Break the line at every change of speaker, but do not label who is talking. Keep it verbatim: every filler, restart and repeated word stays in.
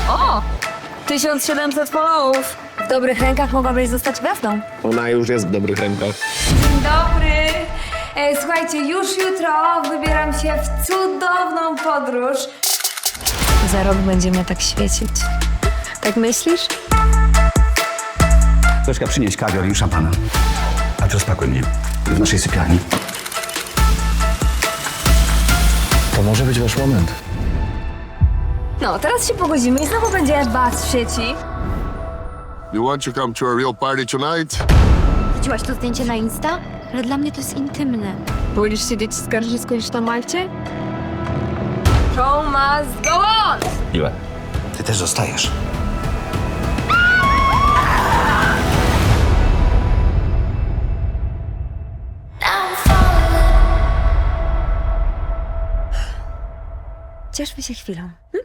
O! tysiąc siedemset followów. W dobrych rękach mogłabyś zostać gwiazdą.
Ona już jest w dobrych rękach.
Dzień dobry. E, słuchajcie, już jutro wybieram się w cudowną podróż. Za rok będzie mnie tak świecić. Tak myślisz?
Zośka, przynieś kawior i szampana. A teraz pakuj mnie. W naszej sypialni.
To może być wasz moment.
No, teraz się pogodzimy i znowu będzie bas w sieci.
You want to come to a real party tonight?
Widziałaś to zdjęcie na Insta? Ale dla mnie to jest intymne.
Wolisz siedzieć w skarżysku niż na Malcie? Show must go on!
Ile? Ty też zostajesz.
Cieszmy się chwilą. Hm?